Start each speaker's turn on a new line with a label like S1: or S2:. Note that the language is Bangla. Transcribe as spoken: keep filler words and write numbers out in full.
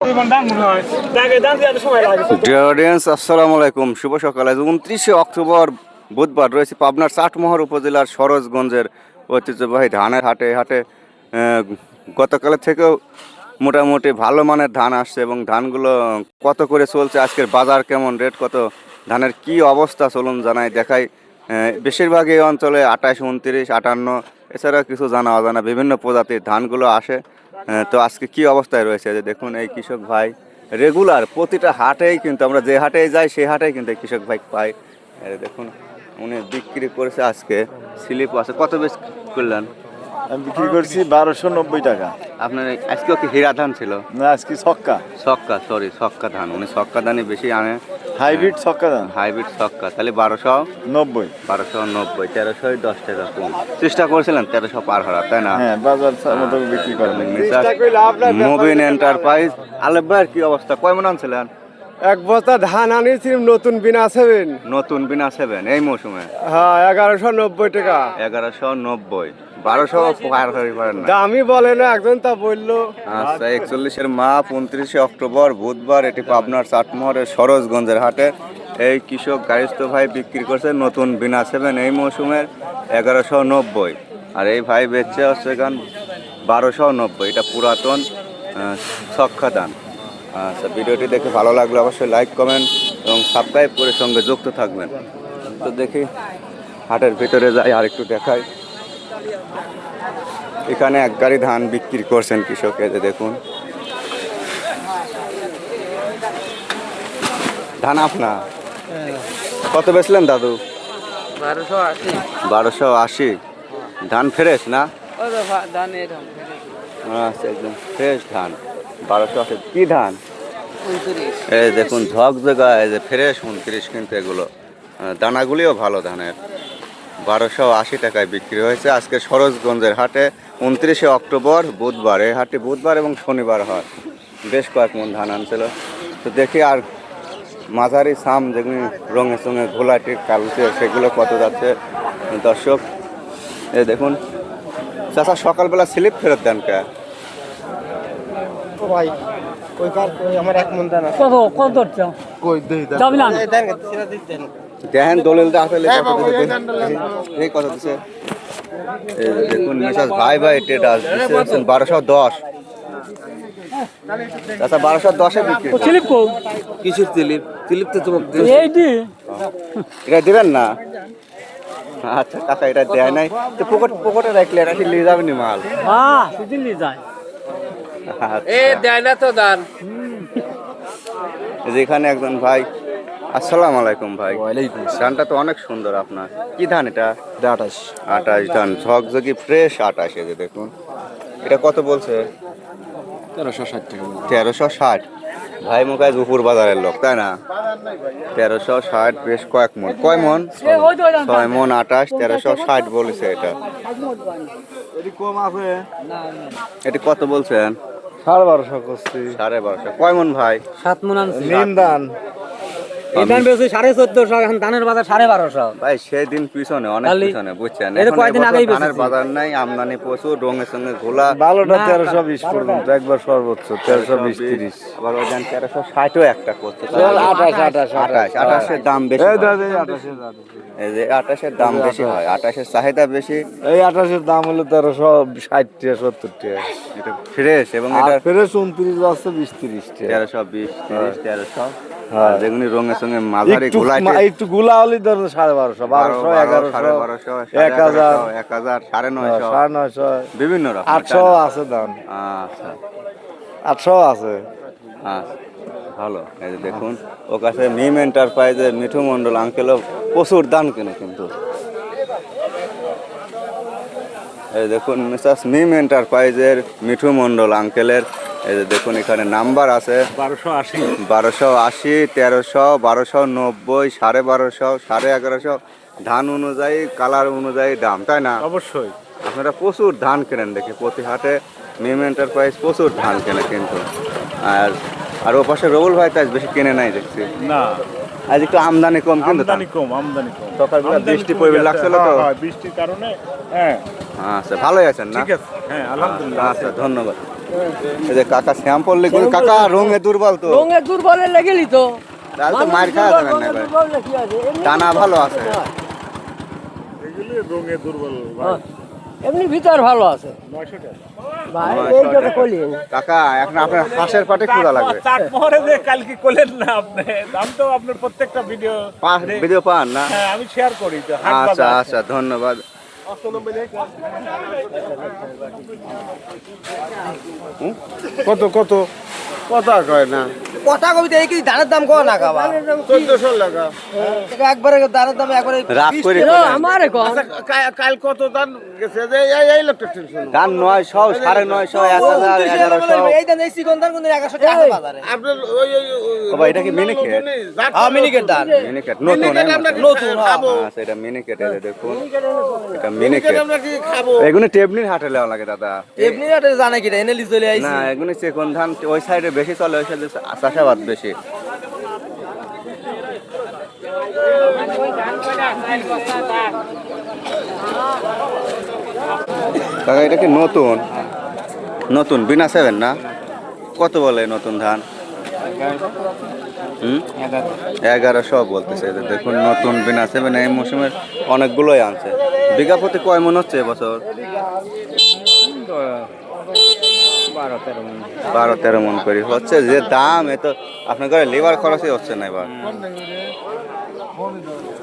S1: আসসালামু আলাইকুম, শুভ সকাল। আজ উনত্রিশে অক্টোবর বুধবার রয়েছে পাবনার চাটমোহর উপজেলার সরোজগঞ্জের ঐতিহ্যবাহী ধানের হাটে। হাটে গতকালের থেকেও মোটামুটি ভালো মানের ধান আসছে এবং ধানগুলো কত করে চলছে, আজকের বাজার কেমন, রেট কত, ধানের কি অবস্থা চলুন জানাই দেখাই। বেশিরভাগ এই অঞ্চলে আঠাশ, উনত্রিশ, আটান্ন, এছাড়া কিছু জানা অজানা বিভিন্ন প্রজাতির ধানগুলো আসে। তো আজকে কি অবস্থায় রয়েছে যে দেখুন, এই কৃষক ভাই রেগুলার প্রতিটা হাটেই কিন্তু আমরা যে হাটেই যাই সেই হাটেই কিন্তু এই কৃষক ভাই পাই। দেখুন উনি বিক্রি করেছে আজকে স্লিপ আছে। কত বেশ করলেন?
S2: আমি বিক্রি করছি বারোশো নব্বই টাকা।
S1: আপনার আজকেও কি হীরা ধান ছিল?
S2: না, আজকে ছক্কা
S1: ছক্কা, সরি ছক্কা ধান। উনি ছক্কা ধানই বেশি আনে,
S2: হাইব্রিড ছক্কা ধান।
S1: হাইব্রিড ছক্কা। তাহলে বারোশো
S2: নব্বই
S1: বারোশো নব্বই তেরোশো দশ টাকা কম। চেষ্টা করেছিলেন তেরোশো পার হওয়ার, তাই না?
S2: হ্যাঁ, বাজার মতো বিক্রি করেন।
S1: মুবিন এন্টারপ্রাইজ। আলেপ ভাইয়ের কি অবস্থা, কয় মন আনছিলেন?
S3: এক বস্তা ধান আনিয়েছিলাম নতুন বিনা সেভেন।
S1: নতুন বিনা সেভেন এই মৌসুমে?
S3: হ্যাঁ, এগারোশো নব্বই টাকা।
S1: এগারোশো নব্বই বারোশো পার হতে পারেন না।
S3: দামই বলে না, একজন তা বললো।
S1: আচ্ছা, একচল্লিশের মাপ, উনত্রিশে অক্টোবর বুধবার, এটি পাবনার চাটমোহরের সরোজগঞ্জের হাটে এই কৃষক গারিস্থ ভাই বিক্রি করছে নতুন বিনা সেভেন এই মৌসুমের এগারোশো নব্বই। আর এই ভাই বেচছে হচ্ছে গান বারোশো নব্বই। এটা পুরাতন ছক্কা ধান। আচ্ছা, ভিডিওটি দেখে ভালো লাগলে অবশ্যই লাইক, কমেন্ট এবং সাবস্ক্রাইব করে সঙ্গে যুক্ত থাকবেন। তো দেখি হাটের ভিতরে যাই আর একটু দেখাই। এখানে এক গাড়ি ধান বিক্রি করছেন কৃষক, এই যে দেখুন ধান আপনার। কত বেচলেন দাদু?
S4: বারোশো আশি।
S1: বারোশো আশি। ধান ফ্রেশ না?
S4: ধান
S1: আচ্ছা, একদম ফ্রেশ ধান। বারোশো আশি। কি ধান? এই দেখুন ঝকঝকা, এই যে ফ্রেশ উনত্রিশ, কিন্তু এগুলো দানাগুলিও ভালো ধানের। বারোশো আশি টাকায় বিক্রি হয়েছে আজকে সরোজগঞ্জের হাটে, উনত্রিশে অক্টোবর বুধবার। এই হাটে বুধবার এবং শনিবার হয়। বেশ কয়েক মন ধান আনছিল। তো দেখি আর মাঝারি সাম যেগুলি রঙে সঙ্গে ঘোলাটি কালচে, সেগুলো কত যাচ্ছে দর্শক। এই দেখুন চাচা সকালবেলা স্লিপ ফেরত দেন কে?
S3: ভাই ওই কার আমার এক মন দানা
S4: কত কত
S3: কই দেই
S4: যাবি না?
S3: দেন সেটা দিতেন।
S1: দেখেন দলিলটা আসলে এই কত দিচ্ছে। এই দেখুন মিসাস ভাই ভাই টেটাস দিচ্ছেন বারোশো দশ। আচ্ছা, বারোশো দশে বিক্রি।
S4: স্লিপ কো
S3: কিসের স্লিপ? স্লিপ তো তোমাকে
S4: এই দি
S1: এটা দিবেন না? আচ্ছা কাকা, এটা দেয় নাই তো পকেট পকেটে রাখলে এটা কি নিয়ে যাবেন মাল?
S4: হ্যাঁ, সেদিন নিয়ে যায়।
S1: এ
S4: দেয় না তো দান।
S1: যেখানে একজন ভাই। আসসালামু আলাইকুম ভাই। ধানটা তো অনেক সুন্দর আপনার। কি ধান এটা?
S2: আঠাশ।
S1: আঠাশ ধান, ঝকঝকি ফ্রেশ আঠাশ। এই যে দেখুন এটা কত বলছে?
S2: তেরোশো ষাট টাকা।
S1: তেরোশো ষাট। ভাই মুখায় উপর বাজারের লোক, তাই না? তেরোশো ষাট, বেশ কয়েক মন। কয় মন? ছয় মন আঠাশ, তেরোশো ষাট বলেছে এটা।
S2: কম আছে।
S1: এটি কত বলছেন?
S2: সাড়ে বারোশো করছি।
S1: সাড়ে বারোশো। কয় মন ভাই?
S4: সাত মন আনছি।
S2: নিম ধান
S4: এই ধান বেশি সাড়ে চোদ্দশো, এখন ধানের বাজার সাড়ে বারোশো।
S1: ভাই সেই দিন পিছনে অনেক পিছনে, বুঝছেন?
S4: এই তো
S1: এখন
S4: কয়েকদিন
S1: এবছর
S4: আগেই
S1: ধানের
S4: বেচেছি।
S1: বাজার নাই, আমদানি প্রচুর, রঙের সঙ্গে ঘোলা।
S2: ভালোটা তেরোশো বিশ পর্যন্ত একবার সর্বোচ্চ তেরোশো বিশ তিরিশ।
S1: আবার ওই ধান তেরোশো ষাটও একটা করছে।
S2: আঠাশ আঠাশ
S1: আঠাশ আঠাশের দাম বেশি
S2: এই
S1: হয়।
S2: দাদা এই আঠাশের দাম।
S1: এই যে আঠাশের দাম বেশি হয়, আঠাশের চাহিদা বেশি।
S2: এই আঠাশের দাম হলো তেরোশো ষাট টাকা সত্তর টাকা।
S1: এটা ফ্রেশ এবং
S2: আর
S1: এটা
S2: ফেরেস উনত্রিশ আছে বিশ তিরিশ টাকা।
S1: তেরোশো বিশ, তিরিশ, তেরোশো।
S2: হ্যাঁ।
S1: যেগুলি রঙের সঙ্গে মাঝারি
S2: একটু
S1: গোলাটে
S2: একটু গুলা হলেই ধরো সাড়ে বারোশো, বারোশো, এগারোশো,
S1: সাড়ে বারোশো,
S2: এক হাজার,
S1: এক হাজার, সাড়ে নয়শো,
S2: সাড়ে নয়শো,
S1: বিভিন্ন রকম।
S2: আটশো আছে দাম।
S1: আচ্ছা
S2: আটশো আছে।
S1: আচ্ছা, ভালো। এই যে দেখুন ও কাছে মিম এন্টারপ্রাইজের মিঠু মন্ডল আঙ্কেলও প্রচুর দান কেনে কিন্তু। এই দেখুন মিসাস মিম এন্টারপ্রাইজের মিঠু মন্ডল আঙ্কেলের, এই যে দেখুন এখানে নাম্বার আছে
S2: বারোশো আশি,
S1: বারোশো আশি, তেরোশো, বারোশো নব্বই, সাড়ে বারোশো, সাড়ে এগারোশো। ধান অনুযায়ী, কালার অনুযায়ী দাম, তাই না?
S2: অবশ্যই।
S1: আপনারা প্রচুর ধান কেনেন দেখি প্রতি হাটে। মিম এন্টারপ্রাইজ প্রচুর ধান কেনে কিন্তু। আর আর ও পাশে রবুল ভাই কাজ বেশি কেনে নাই দেখছি।
S2: না,
S1: আজ একটু আমদানি কম কিন্তু।
S2: আমদানি কম, আমদানি কম।
S1: সকালবেলা বৃষ্টি পড়বে লাগছিল তো।
S2: হ্যাঁ, বৃষ্টির কারণে। হ্যাঁ,
S1: আচ্ছা, ভালোই আছেন না?
S2: ঠিক আছে। হ্যাঁ, আলহামদুলিল্লাহ।
S1: আচ্ছা, ধন্যবাদ। এই যে কাকা স্যাম্পল লিখুন, কাকা রঙে দুর্বল তো,
S5: রঙে দুর্বলের লেগেলি তো
S1: তাহলে তো মার খাওয়া যাবে না এবার।
S5: দুর্বল কি আছে এমনি
S1: টানা ভালো আছে।
S5: হ্যাঁ, এমনি ভিতর ভালো আছে ভাই এই কথা কইলি
S1: কাকা এখন আপনার হাঁসের পাটে ক্ষুধা লাগবে।
S6: চাট মোহরে যে কালকে করলেন না আপনি, আমি তো আপনার প্রত্যেকটা ভিডিও
S1: পা- ভিডিও পান না?
S6: হ্যাঁ আমি শেয়ার করি তো হাট
S1: আচ্ছা
S6: বাজার।
S1: আচ্ছা ধন্যবাদ।
S3: কত কত কথা কয় না
S4: কথা কবিতা এই কি ধানের দাম কো না খাবা
S3: চোদ্দশো টাকা
S4: একবারে ধানের দাম একবারে
S1: রাগ করে
S5: আমারে কম
S3: কা- কাল কত দান গেছে যে এই এই লোকটা টেনশন
S1: দাম নয়শো সাড়ে নয়শো এক হাজার এগারোশো।
S4: এই দাম এই সিকন্দার কোন একশো টাকা বাজারে
S3: আপনার ওই ওই
S1: ও ভাই, এটা কি মিনিকেট?
S4: হ্যাঁ মিনিকেট দাম
S1: মিনিকেট নতুন
S3: মিনিকেট
S1: হ্যাঁ?
S3: আমরা কি
S4: নতুন, হ্যাঁ।
S3: খাবো?
S1: আচ্ছা এটা মিনিকেট, এই যে দেখুন এটা
S3: মিনিকেট
S1: মিনিকেট।
S3: আমরা কি খাবো?
S1: এগুলো টেবনির হাটে লেওয়া লাগে দাদা।
S4: এমনি এটা জানা কি এনে লি চলে আইছি
S1: না এগুলো চেকন ধান ওই সাইডে বেশি চলে, ওই সাইডে চাষাবাদ বেশি। কাকা এটা কি নতুন? নতুন বিনা সেভেন না? কত বলে নতুন ধান? হুম এগারোশো বলতেছে। এই যে দেখুন নতুন বিনা সেভেন এই মৌসুমের অনেকগুলোই আনছে। বিঘা প্রতি কয় মন হচ্ছে এবছর? বারো তেরো মন করে হচ্ছে। যে দাম এ তো আপনার ঘরে লেবার খরচই হচ্ছে না এবার।